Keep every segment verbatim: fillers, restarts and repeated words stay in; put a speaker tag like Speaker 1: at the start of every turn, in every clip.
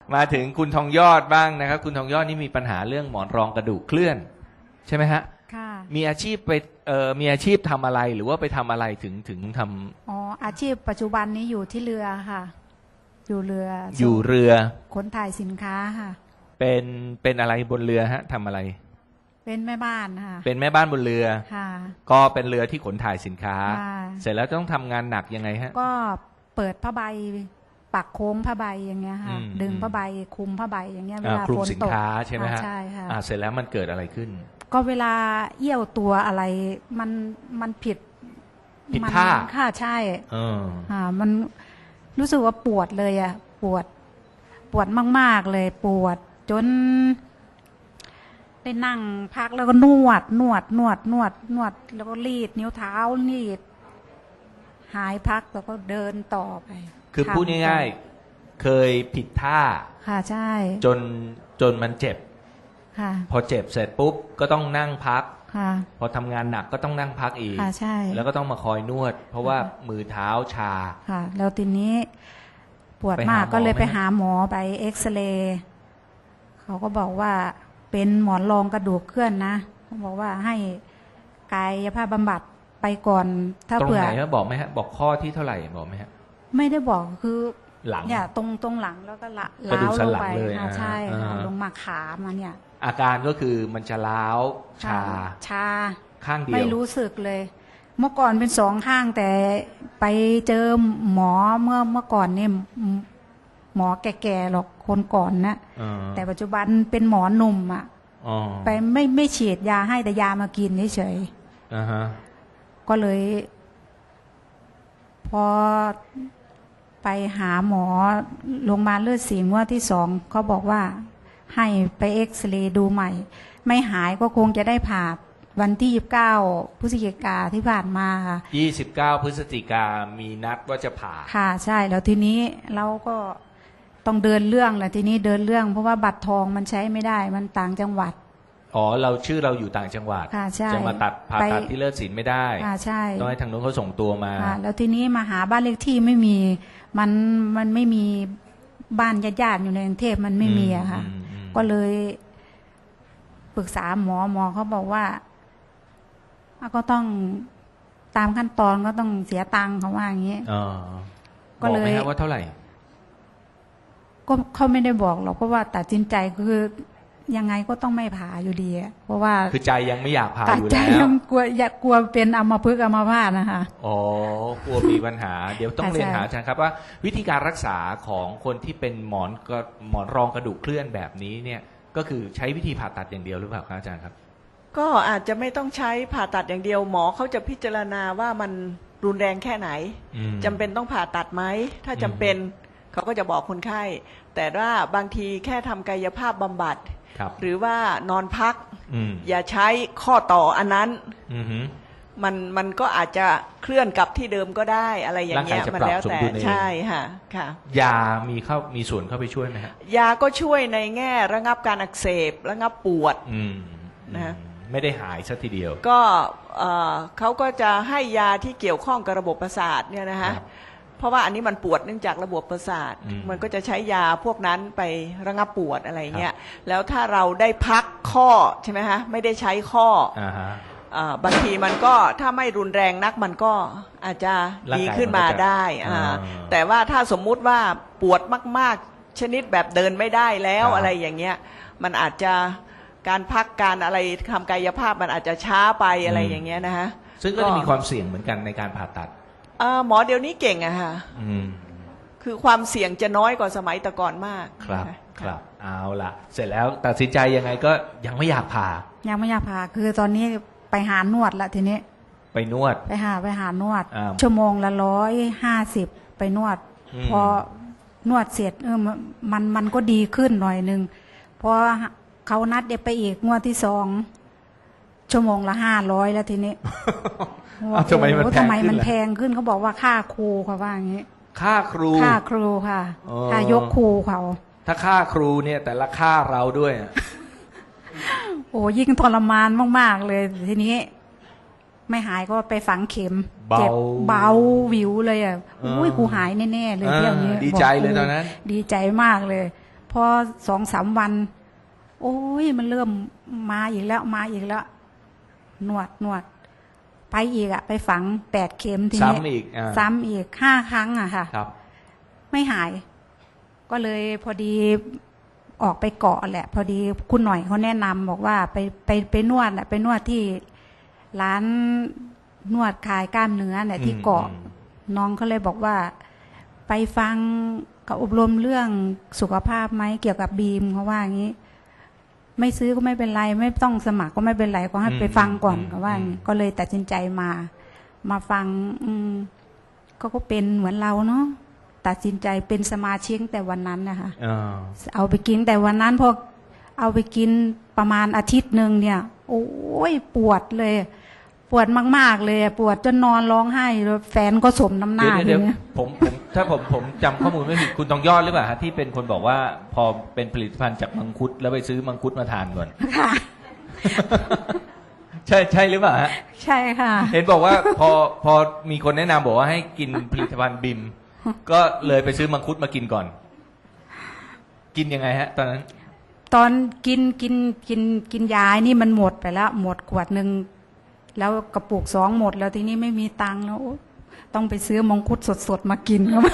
Speaker 1: มาถึงคุณทองยอดบ้างนะครับคุณทองยอดนี่มีปัญหาเรื่องหมอนรองกระดูกเคลื่อนใช่ไหมฮะ
Speaker 2: ค่ะ
Speaker 1: มีอาชีพไปเอ่อมีอาชีพทำอะไรหรือว่าไปทำอะไรถึงถึงทำ
Speaker 2: อ๋ออาชีพปัจจุบันนี้อยู่ที่เรือค่ะ อยู่เรือ
Speaker 1: อยู่เรือ
Speaker 2: ขนถ่ายสินค้าค่ะ
Speaker 1: เป็นเป็นอะไรบนเรือฮะทำอะไร
Speaker 2: เป็นแม่บ้านค่ะ
Speaker 1: เป็นแม่บ้านบนเรือ
Speaker 2: ค่ะ
Speaker 1: ก็เป็นเรือที่ขนถ่ายสินค้า
Speaker 2: ค่ะ
Speaker 1: เสร็จแล้วต้องทำงานหนักยังไงฮะ
Speaker 2: ก็เปิดผ้าใบปักโค้งผ้าใบอย่างเงี้ยค่ะ
Speaker 1: อืม
Speaker 2: ดึงผ้าใบคลุมผ้าใบอย่างเงี้ยเวลา
Speaker 1: คลุม
Speaker 2: ฝน
Speaker 1: สิน
Speaker 2: ตก
Speaker 1: ค้าใช่ไหมฮะ
Speaker 2: อ่าใช่ค่ะ
Speaker 1: อ่าเสร็จแล้วมันเกิดอะไรขึ้น
Speaker 2: ก็เวลาเอี้ยวตัวอะไรมันมันผิด
Speaker 1: ผิด
Speaker 2: มัน
Speaker 1: ท่า
Speaker 2: ค่ะใช่
Speaker 1: เออ
Speaker 2: อ่ามันรู้สึกว่าปวดเลยอ่ะปวดปวดมากๆเลยปวดจนได้นั่งพักแล้วก็นวดนวดนวดนวดนวดแล้วก็รีดนิ้วเท้ารีดหายพักแล้วก็เดินต่อไป
Speaker 1: คือพูดง่ายๆเคยผิดท่า
Speaker 2: ค่ะใช่
Speaker 1: จนจนมันเจ็บ
Speaker 2: ค่ะ
Speaker 1: พอเจ็บเสร็จปุ๊บก็ต้องนั่งพัก
Speaker 2: ค่ะ
Speaker 1: พอทำงานหนักก็ต้องนั่งพักอีก
Speaker 2: ค่ะใช่
Speaker 1: แล้วก็ต้องมาคอยนวด เพราะว่ามือเท้าชา
Speaker 2: ค่ะแล้วทีนี้ปวดมากก็เลยไปหาหมอไปเอ็กซเรย์เขาก็บอกว่าเป็นหมอนรองกระดูกเคลื่อนนะเขาบอกว่าให้กายภาพบำบัดไปก่อนถ้า
Speaker 1: ตรง
Speaker 2: เผื่อ
Speaker 1: ไหนฮะบอกไหมฮะบอกข้อที่เท่าไหร่บอกไหมฮะ
Speaker 2: ไม่ได้บอกคือ
Speaker 1: หลัง
Speaker 2: เนี่ยตรงตรงหลังแล้วก็ละ
Speaker 1: กระดู
Speaker 2: ล้าก
Speaker 1: สั
Speaker 2: ล
Speaker 1: น
Speaker 2: ง
Speaker 1: หลัง
Speaker 2: ไป
Speaker 1: เลย
Speaker 2: อ่าใช่
Speaker 1: อ่า
Speaker 2: ค่ะลงมาขามาเนี่ย
Speaker 1: อาการก็คือมันจะล้าวชา
Speaker 2: ชา
Speaker 1: ข้างเดียว
Speaker 2: ไม่รู้สึกเลย เมื่อก่อนเป็นสองข้างแต่ไปเจอหมอเมื่อเมื่อก่อนเนี่ยหมอแก่ๆหรอกคนก่อนนะ
Speaker 1: อ่า
Speaker 2: แต่ปัจจุบันเป็นหมอหนุ่มอ่ะ
Speaker 1: อ๋อ
Speaker 2: ไปไม่ไม่ฉีดยาให้แต่ยามากินเฉย
Speaker 1: อ่าฮะ
Speaker 2: ๆก็เลย พอไปหาหมอโรงพยาบาลเลือดสีงวดที่สองเขาบอกว่าให้ไปเอ็กซเรย์ดูใหม่ ไม่หายก็คงจะได้ผ่าวันที่ยี่สิบเก้าพฤศจิกาที่ผ่านมาค่ะ
Speaker 1: ยี่สิบเก้าพฤศจิกามีนัดว่าจะผ่า
Speaker 2: ค่ะใช่แล้วทีนี้เราก็ต้องเดินเรื่องแหละทีนี้เดินเรื่อง เพราะว่าบัตรทองมันใช้ไม่ได้มันต่างจังหวัด
Speaker 1: อ๋อเราชื่อเราอยู่ต่างจังหวัด
Speaker 2: ค่ะใช่
Speaker 1: จะมาตัดผ่าตัดที่เลิศศิลป์ไม่ได้
Speaker 2: ค่ะใช่
Speaker 1: ต้องให้ทางนู้นเขาส่งตัวมา
Speaker 2: ค่ะแล้วทีนี้มาหาบ้านเลขที่ไม่มีมันมันไม่มีบ้านญาติๆอยู่ในกรุงเทพมันไม่มีอะค่ะก็เลยปรึกษาหมอหมอเขาบอกว่าก็ต้องตามขั้นตอนก็ต้องเสียตังค์เขาว่าอย่างนี้
Speaker 1: ก็เลยบอกไหมว่าเท่าไหร่
Speaker 2: ก็เขาไม่ได้บอกหรอกเพราะว่าตัดสินใจคือยังไงก็ต้องไม่ผ่าอยู่ดีเพราะว่า
Speaker 1: คือใจยังไม่อยากผ่าอยู่แล้ว
Speaker 2: ใจยังกลัวอยากกลัวเป็นอัมพฤกษ์อัมพาตนะคะ
Speaker 1: อ๋อกลัวมีปัญหาเดี๋ยวต้องเรียนหาอาจารย์ครับว่าวิธีการรักษาของคนที่เป็นหมอนก็หมอนรองกระดูกเคลื่อนแบบนี้เนี่ยก็คือใช้วิธีผ่าตัดอย่างเดียวหรือเปล่าครับอาจารย์ครับ
Speaker 3: ก็อาจจะไม่ต้องใช้ผ่าตัดอย่างเดียวหมอเขาจะพิจารณาว่ามันรุนแรงแค่ไหนจำเป็นต้องผ่าตัดไหมถ้าจำเป็นเขาก็จะบอกคนไข้แต่ว่าบางทีแค่ทำกายภาพบำบัดหรือว่านอนพักอย่าใช้ข้อต่ออันนั้นมันมันก็อาจจะเคลื่อนกลับที่เดิมก็ได้อะไรอย่างเงี้ยมันแล้วแต่ใช่ค่ะค่ะ
Speaker 1: ยามีเข้ามีส่วนเข้าไปช่วยไหมฮะ
Speaker 3: ยาก็ช่วยในแง่ระงับการอักเสบระงับปวด
Speaker 1: นะไม่ได้หายซะทีเดียว
Speaker 3: ก็เขาก็จะให้ยาที่เกี่ยวข้องกับระบบประสาทเนี่ยนะฮะเพราะว่าอันนี้มันปวดเนื่องจากระบบประสาทมันก็จะใช้ยาพวกนั้นไประงับปวดอะไรเงี้ยแล้วถ้าเราได้พักข้อใช่ไหมฮะไม่ได้ใช้ข้อบางทีมันก็ถ้าไม่รุนแรงนักมันก็อาจจะดีขึ้นมาได้แต่ว่าถ้าสมมุติว่าปวดมากๆชนิดแบบเดินไม่ได้แล้วอะไรอย่างเงี้ยมันอาจจะการพักการอะไรทำกายภาพมันอาจจะช้าไปอะไรอย่างเงี้ยนะฮะ
Speaker 1: ซึ่งก็จะมีความเสี่ยงเหมือนกันในการผ่าตัด
Speaker 3: หมอเดี๋ยวนี้เก่งอะค่ะคือความเสี่ยงจะน้อยกว่าสมัยแต่ก่อนมาก
Speaker 1: ครับครับเอาล่ะเสร็จแล้วตัดสินใจยังไงก็ยังไม่อยากผ่า
Speaker 2: ยังไม่อยากผ่าคือตอนนี้ไปหานวดละทีนี้
Speaker 1: ไปนวด
Speaker 2: ไปหาไปหานวดชั่วโมงละร้อยห้าสิบไปนวดพอนวดเสร็จเออมันมันก็ดีขึ้นหน่อยนึงพอเขานัดเดี๋ยวไปอีกงวดที่สองชั่วโมงละห้าร้อยแล้วทีนี้
Speaker 1: ทำไมมัน
Speaker 2: ทำไมมันแพงขึ้นเขาบอกว่าค่าครูเขาว่าอย่างนี้
Speaker 1: ค่าครู
Speaker 2: ค่าครูค่ะค่ายกครูเขา
Speaker 1: ถ้าค่าครูเนี่ยแต่ละค่าเราด้วย
Speaker 2: โอ้ยิ่งทรมานมากๆเลยทีนี้ไม่หายก็ไปฝังเข็มเจ็บเบาวิวเลยอ่ะอุ้ยกูหายแน่ๆเลยเที่ยวนี้
Speaker 1: ดีใจเลยตอนนั้น
Speaker 2: ดีใจมากเลยพพอสองสามวัน โอ้ยมันเริ่มมาอีกแล้วมาอีกแล้วนวดนวดไปอีกอะไปฝังแปดเข็มทีนี้
Speaker 1: ซ้ำอีกอ่า
Speaker 2: ซ้ำอีกห้าครั้งอะค่ะ
Speaker 1: ครับ
Speaker 2: ไม่หาย ก็เลยพอดีออกไปเกาะแหละ พอดีคุณหน่อยเขาแนะนำบอกว่าไปไปไปนวดอะไปนวดที่ร้านนวดคลายกล้ามเนื้อเนี่ยที่เกาะ
Speaker 1: อืม
Speaker 2: น้องเขาเลยบอกว่า ไปฟังกับอบรมเรื่องสุขภาพไหมเกี่ยวกับบีมเขาว่าอย่างนี้ ไม่ซื้อก็ไม่เป็นไร ไม่ต้องสมัครก็ไม่เป็นไรก็ให้ไปฟังก่อนเขาว่าอย่างนี้ก็เลยตัดสินใจมา มาฟัง อืมก็ก็เป็นเหมือนเราเนาะตัดสินใจเป็นสมาชิกแต่วันนั้นนะคะ
Speaker 1: อ่า
Speaker 2: เอาไปกินแต่วันนั้นพอเอาไปกินประมาณอาทิตย์หนึ่งเนี่ย โอ้ยปวดเลย ปวดมากๆเลยปวดจนนอนร้องไห้แล้วแฟนก็สมน้ำหน้า
Speaker 1: เดี๋ยว
Speaker 2: ที
Speaker 1: เดี๋ยว
Speaker 2: นี้
Speaker 1: ผมผมถ้าผมผมจำข้อมูลไม่ผิดคุณทองยอดหรือเปล่าฮะที่เป็นคนบอกว่าพอเป็นผลิตภัณฑ์จากมังคุดแล้วไปซื้อมังคุดมาทานก่อน
Speaker 2: ค่ะ
Speaker 1: ใช่ใช่หรือเปล่าฮะ
Speaker 2: ใช่ค่ะ
Speaker 1: เห็นบอกว่าพอพอมีคนแนะนำบอกว่าให้กินผลิตภัณฑ์บิม ก็เลยไปซื้อมังคุดมากินก่อน กินยังไงฮะ ตอนนั้น
Speaker 2: ตอนกินกินกินกินยานี่มันหมดไปแล้ว หมดขวดหนึ่งแล้วกระปุกสองหมดแล้วทีนี้ไม่มีตังค์แล้วโอ๊ยต้องไปซื้อมังคุดสดๆมากินครับ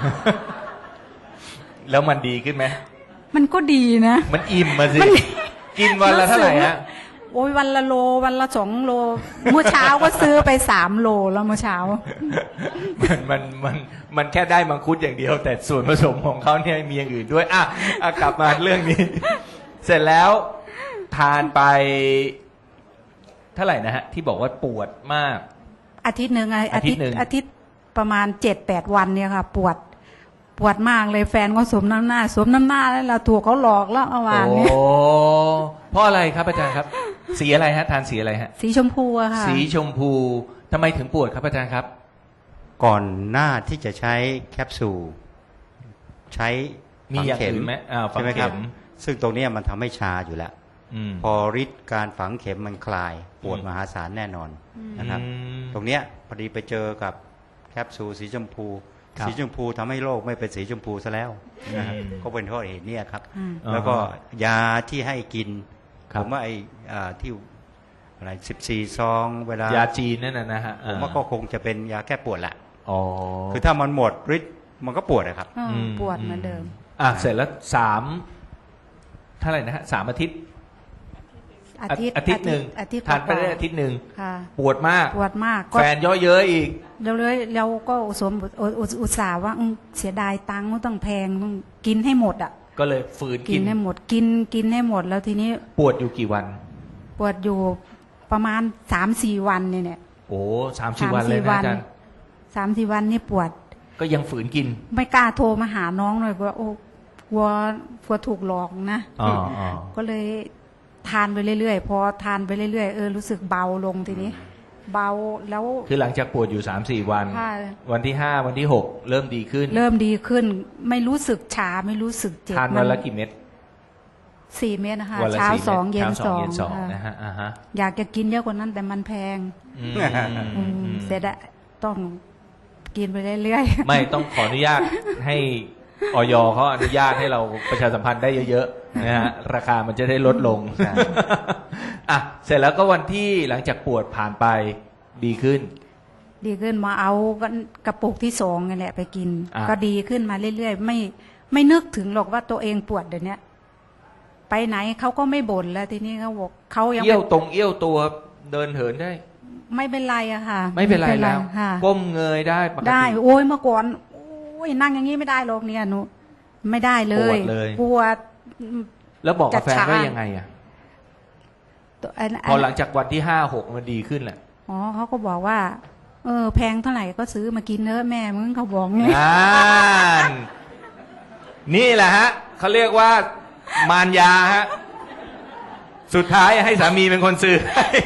Speaker 1: แล้วมันดีขึ้นไหม
Speaker 2: มันก็ดีนะ
Speaker 1: มันอิ่มมาสิ
Speaker 2: มัน
Speaker 1: กินวันละเท่าไหร่ฮะ
Speaker 2: โอ้ยวันละโลวันละสองโล เมื่อเช้าก็ซื้อไปสามโลแล้วเมื่อเช้า
Speaker 1: มันมันมันมันแค่ได้มังคุดอย่างเดียว แต่ส่วนผสมของเขาเนี่ยมีอย่างอื่นด้วยอ่ะอ่ะกลับมาเรื่องนี้ เสร็จแล้วทานไป เท่าไหร่นะฮะ ที่บอกว่าปวดมาก
Speaker 2: อาทิตย์หนึ่งไง
Speaker 1: อาทิตย์หนึ่ง
Speaker 2: อาทิตย์ประมาณเจ็ดแปดวันเนี่ยค่ะ ปวด ปวดมากเลยแฟนก็สวมน้ำหน้าสวมน้ำหน้าแล้วเราถูกเขาหลอกแล้วเอาวาง
Speaker 1: โอ้
Speaker 2: เนี่ย
Speaker 1: เพราะอะไรครับอาจารย์ครับ สีอะไรฮะ ทานสีอะไรฮะ
Speaker 2: สีชมพูอะค่ะ
Speaker 1: สีชมพูทำไมถึงปวดครับอาจารย์ครับ
Speaker 4: ก่อนหน้าที่จะใช้แคปซูลใช้
Speaker 1: มีอย่างอื่นไหมอ่าฝัง
Speaker 4: ใช่ไหมครับ
Speaker 1: เข็ม
Speaker 4: ซึ่งตรงเนี้ยมันทำให้ชาอยู่แล้ว
Speaker 1: อืม
Speaker 4: พอฤทธิ์การฝังเข็มมันคลายปวด
Speaker 1: อืม
Speaker 4: มหาศาลแน่นอนนะครับ
Speaker 1: อืม
Speaker 4: ตรงเนี้ยพอดีไปเจอกับแคปซูลสีชมพู
Speaker 1: ครับ
Speaker 4: สีชมพูทำให้โลกไม่เป็นสีชมพูซะแล้วนะครับ
Speaker 1: อืม
Speaker 4: ก็เป็นเพราะเหตุเนี้ยครับ
Speaker 2: อืม
Speaker 4: แล้วก็ยาที่ให้กิน
Speaker 1: ครั
Speaker 4: ผ
Speaker 1: บ
Speaker 4: มว่าไอ้อ่าที่อะไรสิบสี่ซองเวลาย
Speaker 1: าจีนนั่นนะนะฮะ
Speaker 4: ผมว่าก็คงจะเป็นยาแก้ปวดแหละ
Speaker 1: อ๋อ
Speaker 4: คือถ้ามันหมดฤทธิ์มันก็ปวดนะครับ
Speaker 2: เอออปวดเหมือนเดิม
Speaker 1: อ่ะเสร็จแล้วสามเท่าไหร่นะฮะสามอาทิตย์
Speaker 2: อาทิตย์
Speaker 1: อาทิตย์หนึ่ง
Speaker 2: อาทิตย์
Speaker 1: ทานไปได้อาทิตย์หนึ่ง
Speaker 2: ค่ะ
Speaker 1: ปวดมาก
Speaker 2: ปวดมากก็
Speaker 1: แฟนเย่อเย้ยอีก
Speaker 2: เราเลยเราก็สวมอุอุอุตส่าห์ว่าอืมเสียดายตังค์ไม่ต้องแพงต้องกินให้หมดอ่ะ
Speaker 1: ก็เลยฝืน
Speaker 2: กิ
Speaker 1: กิ
Speaker 2: น
Speaker 1: น
Speaker 2: ให้หมดกินกินให้หมดแล้วทีนี้
Speaker 1: ปวดอยู่กี่วัน
Speaker 2: ปวดอยู่ประมาณสามสี่วันเนี่ยเนี่ย
Speaker 1: โอ้สามสี่วันเลยนะอาจารย์
Speaker 2: สามสี่วันนี่ปวด
Speaker 1: ก็ยังฝืนกิน
Speaker 2: ไม่กล้าโทรมาหาน้องเลยว่าโอ้กลัวกลัวถูกหลอกนะ
Speaker 1: อ๋ออ๋อ
Speaker 2: ก็เลยทานไปเรื่อยๆพอทานไปเรื่อยๆเออรู้สึกเบาลงทีนี้ เบาแล้ว
Speaker 1: คือหลังจากปวดอยู่สามสี่วัน
Speaker 2: ค่ะ
Speaker 1: วันที่ห้าวันที่หกเริ่มดีขึ้น
Speaker 2: เริ่มดีขึ้น ไม่รู้สึกชาไม่รู้สึกเจ็บ
Speaker 1: ทานวันละกี่เม็ด
Speaker 2: สี่เม็ดนะคะ
Speaker 1: วันละ
Speaker 2: เช้า
Speaker 1: สี่
Speaker 2: สอง
Speaker 1: ม็ด
Speaker 2: เย็น
Speaker 1: ช้า
Speaker 2: สอง
Speaker 1: เย็นสอง
Speaker 2: ค่ะ
Speaker 1: นะฮะอ่าฮะ
Speaker 2: อยากจะกินเยอะกว่านั้นแต่มันแพง
Speaker 1: อืม
Speaker 2: อืม
Speaker 1: อืม
Speaker 2: เสียดายต้องกินไปเรื่อยๆ
Speaker 1: ไม่ต้องขออนุญาตให้ออยเขาอนุญาตให้เราประชาสัมพันธ์ได้เยอะๆนะฮะราคามันจะได้ลดลง
Speaker 4: ใช่
Speaker 1: อ่ะเสร็จแล้วก็วันที่หลังจากปวดผ่านไปดีขึ้น
Speaker 2: ดีขึ้นมาเอากระปุกที่สองนี่แหละไปกิน
Speaker 1: อ่ะ
Speaker 2: ก็ดีขึ้นมาเรื่อยๆไม่ไม่นึกถึงหรอกว่าตัวเองปวดเดี๋ยวนี้ไปไหนเขาก็ไม่บ่นแล้วทีนี้เขาบอกเขายัง
Speaker 1: เอี้ยวตรงเอี้ยวตัวเดินเหินได้
Speaker 2: ไม่เป็นไรอะค่ะ
Speaker 1: ไม่เป็นไรแล้ว
Speaker 2: ค่ะ
Speaker 1: ก้มเงยได้ปกติ
Speaker 2: ได้ โอ้ยเมื่อก่อนโอ้ยนั่งอย่างนี้ไม่ได้หรอกเนี่ยหนูไม่ได้เลย
Speaker 1: ปวดเลย
Speaker 2: ปวด
Speaker 1: แล้วบอกกับแฟน
Speaker 2: จะชา
Speaker 1: ว่ายังไงอ่ะ
Speaker 2: ตัวอัน
Speaker 1: พอหลังจากวันที่ห้าหกมันดีขึ้นแหละ
Speaker 2: อ๋อเขาก็บอกว่า เออ แพงเท่าไหร่ก็ซื้อมากินเนอะแม่มึงเขาบอกงี้
Speaker 1: อ่านนี่แหละฮะเขาเรียกว่ามารยาฮะสุดท้ายให้สามีเป็นคนซื้อ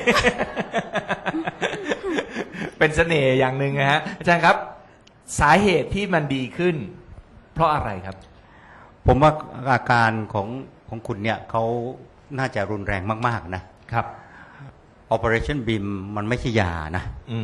Speaker 1: เป็นเสน่ห์อย่างหนึ่งนะฮะอาจารย์ครับ สาเหตุที่มันดีขึ้น เพราะอะไรครับ
Speaker 4: ผมว่าอาการของของคุณเนี่ยเขาน่าจะรุนแรงมากๆนะครับ Operation B I M มันไม่ใช่ยานะ
Speaker 1: อืม
Speaker 4: เ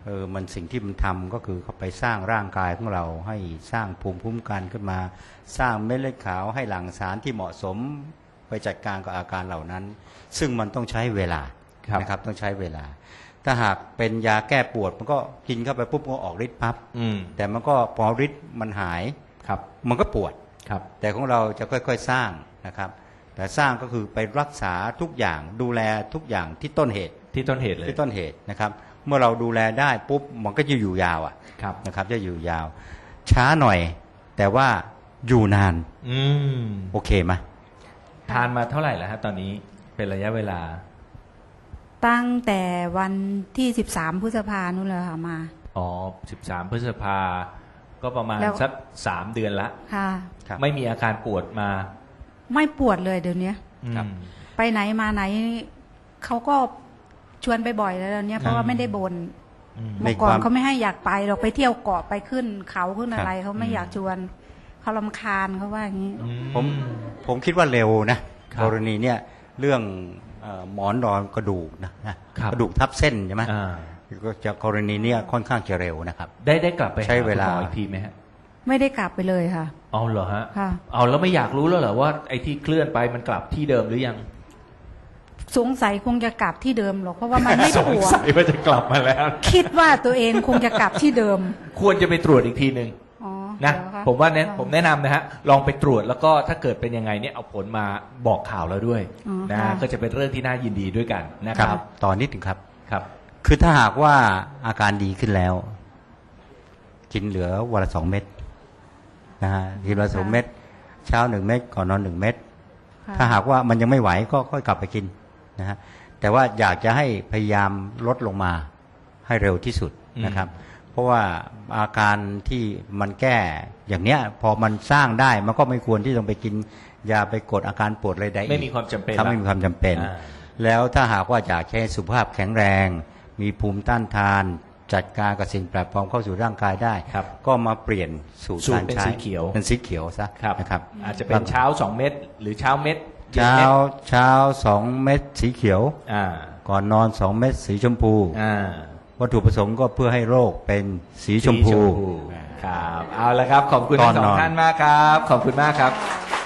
Speaker 4: เออมันสิ่งที่มันทำก็คือเขาไปสร้างร่างกายของเราให้สร้างภูมิคุ้มกันขึ้นมา สร้างเม็ดเลือดขาวให้หลั่งสารที่เหมาะสมไปจัดการกับอาการเหล่านั้น ซึ่งมันต้องใช้เวลานะครับต้องใช้เวลาถ้าหากเป็นยาแก้ปวดมันก็กินเข้าไปปุ๊บก็ออกฤทธิ์ปั๊บแต่มันก็พอฤทธิ์มันหายครับมันก็ปวดครับแต่ของเราจะค่อยๆสร้างนะครับแต่สร้างก็คือไปรักษาทุกอย่างดูแลทุกอย่างที่ต้นเหตุ
Speaker 1: ที่ต้นเหตุเลย
Speaker 4: ที่ต้นเหตุนะครับเมื่อเราดูแลได้ปุ๊บมันก็จะอยู่ยาวอ่ะนะครับจะอยู่ยาวช้าหน่อยแต่ว่าอยู่นาน
Speaker 1: อืม
Speaker 4: โอเคไหม
Speaker 1: ทานมาเท่าไหร่แล้วฮะตอนนี้เป็นระยะเวลา
Speaker 2: ตั้งแต่วันที่สิบสามพฤษภานู่นเลยค่ะมา
Speaker 1: อ๋อสิบสามพฤษภาก็ประมาณสักสามเดือนละ
Speaker 2: ค่ะ
Speaker 1: ไม่มีอาการปวดมา
Speaker 2: ไม่ปวดเลยเดี๋ยวนี้ไปไหนมาไหนเขาก็ชวนไปบ่อยแล้วเนี่ยเพราะว่าไม่ได้บนเมื่อก่อนเขาไม่ให้อยากไปเราไปเที่ยวเกาะไปขึ้นเขาขึ้นอะไรเขาไม่อยากชวนเขารำคาญเขาว่าอย่างนี้
Speaker 4: ผมผมคิดว่าเร็วนะกรณีเนี่ยเรื่องหมอนรองกระดูกนะกระดูกทับเส้นใช่ไหมก็จะกรณีเนี้ยค่อนข้างจะเร็วนะครับ
Speaker 1: ได้ได้กลับไป
Speaker 4: ใช้เวลา
Speaker 1: อีกทีไหมฮะ
Speaker 2: ไม่ได้กลับไปเลยค่ะ
Speaker 1: เอาเหรอฮะเอาแล้วไม่อยากรู้แล้วเหรอว่าไอ้ที่เคลื่อนไปมันกลับที่เดิมหรือยัง
Speaker 2: สงสัยคงจะกลับที่เดิมหรอกเพราะว่ามันไม่ปวดสง
Speaker 1: สัยว่าจะกลับมาแล้ว
Speaker 2: คิดว่าตัวเองคงจะกลับที่เดิม
Speaker 1: ควรจะไปตรวจอีกทีหนึ่งนะผมว่าเนี่ยผมแนะนำนะฮะลองไปตรวจแล้วก็ถ้าเกิดเป็นยังไงเนี่ยเอาผลมาบอกข่าวเราด้วยนะก็จะเป็นเรื่องที่น่ายินดีด้วยกันนะครับ
Speaker 4: ตอนนิดหนึ่งครับ
Speaker 1: ครับ
Speaker 4: คือถ้าหากว่าอาการดีขึ้นแล้วกินเหลือวันละสองเม็ดนะฮะกินวันละสองเม็ดเช้าหนึ่งเม็ดก่อนนอนหนึ่งเม็ดถ้าหากว่ามันยังไม่ไหวก็ค่อยกลับไปกินนะฮะแต่ว่าอยากจะให้พยายามลดลงมาให้เร็วที่สุดนะครับเพราะว่าอาการที่มันแก้อย่างเนี้ยพอมันสร้างได้มันก็ไม่ควรที่ต้องไปกินยาไปกดอาการปวดอะไรใด
Speaker 1: ไม่มีความจำเป็น
Speaker 4: ถ้าไม่มีความจำเป็นแล้วถ้าหากว่าอยากให้สุขภาพแข็งแรงมีภูมิต้านทานจัดการกับสิ่งแปลกปลอมเข้าสู่ร่างกายได้ก็มาเปลี่ยนสูตรการใช้
Speaker 1: เป็นสีเขียว
Speaker 4: เป็นสีเขียวซะนะครับ
Speaker 1: อาจจะเป็นเช้าสองเม็ดหรือเช้าเม็ด
Speaker 4: เช้าเช้าสองเม็ดสีเขียวก่อนนอนสองเม็ดสีชมพูวัตถุประสงค์ก็เพื่อให้โรคเป็นสีชมพู
Speaker 1: ครับเอาละครับขอบคุณทั้งสองท่านมากครับขอบคุณมากครับ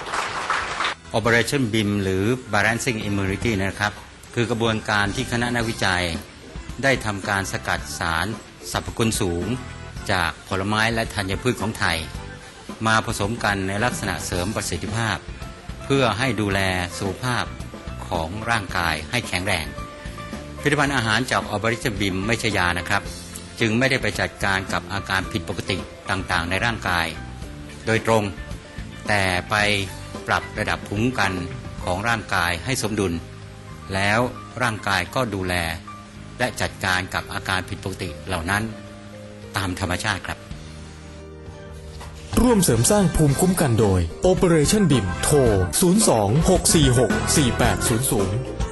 Speaker 4: Operation บี ไอ เอ็ม หรือ Balancing Immunity นะครับคือกระบวนการที่คณะนักวิจัยได้ทำการสกัดสารสรรพคุณสูงจากผลไม้และธัญพืชของไทยมาผสมกันในลักษณะเสริมประสิทธิภาพเพื่อให้ดูแลสุขภาพของร่างกายให้แข็งแรงผลิตภัณฑ์อาหารจากออบริชบิมไม่ใช่ยานะครับจึงไม่ได้ไปจัดการกับอาการผิดปกติต่างๆในร่างกายโดยตรงแต่ไปปรับระดับภูมิคุ้มกันของร่างกายให้สมดุลแล้วร่างกายก็ดูแลและจัดการกับอาการผิดปกติเหล่านั้นตามธรรมชาติครับ
Speaker 5: ร่วมเสริมสร้างภูมิคุ้มกันโดย Operation บี ไอ เอ็ม โทร ศูนย์ สอง หก สี่ หก สี่ แปด ศูนย์ ศูนย์